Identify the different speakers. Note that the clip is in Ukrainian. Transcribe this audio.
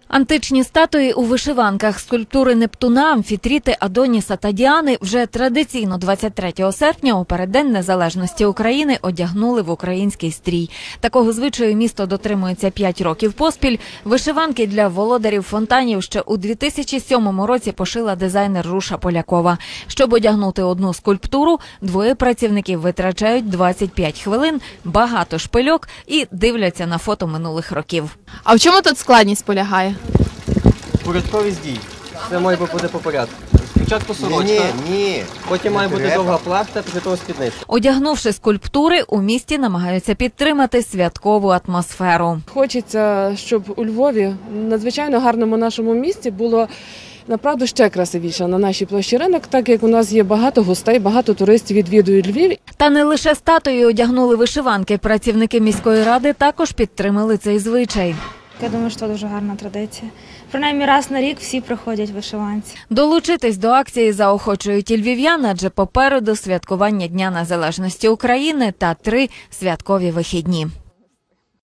Speaker 1: Античні статуї у вишиванках, скульптури Нептуна, Амфітріти, Адоніса та Діани вже традиційно 23 серпня у переддень незалежності України одягнули в український стрій. Такого звичаю місто дотримується 5 років поспіль. Вишиванки для володарів фонтанів ще у 2007 році пошила дизайнер Руша Полякова. Щоб одягнути одну скульптуру, двоє працівників витрачають 25 хвилин, багато шпильок і дивляться на фото минулих років.
Speaker 2: А в чому тут складність полягає?
Speaker 3: Порядковість дій. Це має бути по порядку. Спочатку сорочка, потім має бути довга плахта, після того спідниця.
Speaker 1: Одягнувши скульптури, у місті намагаються підтримати святкову атмосферу.
Speaker 4: Хочеться, щоб у Львові, надзвичайно гарному нашому місті, було направду ще красивіше на нашій площі Ринок, так як у нас є багато гостей, багато туристів відвідують Львів.
Speaker 1: Та не лише статуї одягнули вишиванки. Працівники міської ради також підтримали цей звичай.
Speaker 5: Я думаю, що це дуже гарна традиція. Принаймні раз на рік всі приходять в вишиванці.
Speaker 1: Долучитись до акції заохочують і львів'ян, адже попереду святкування Дня Незалежності України та 3 святкові вихідні.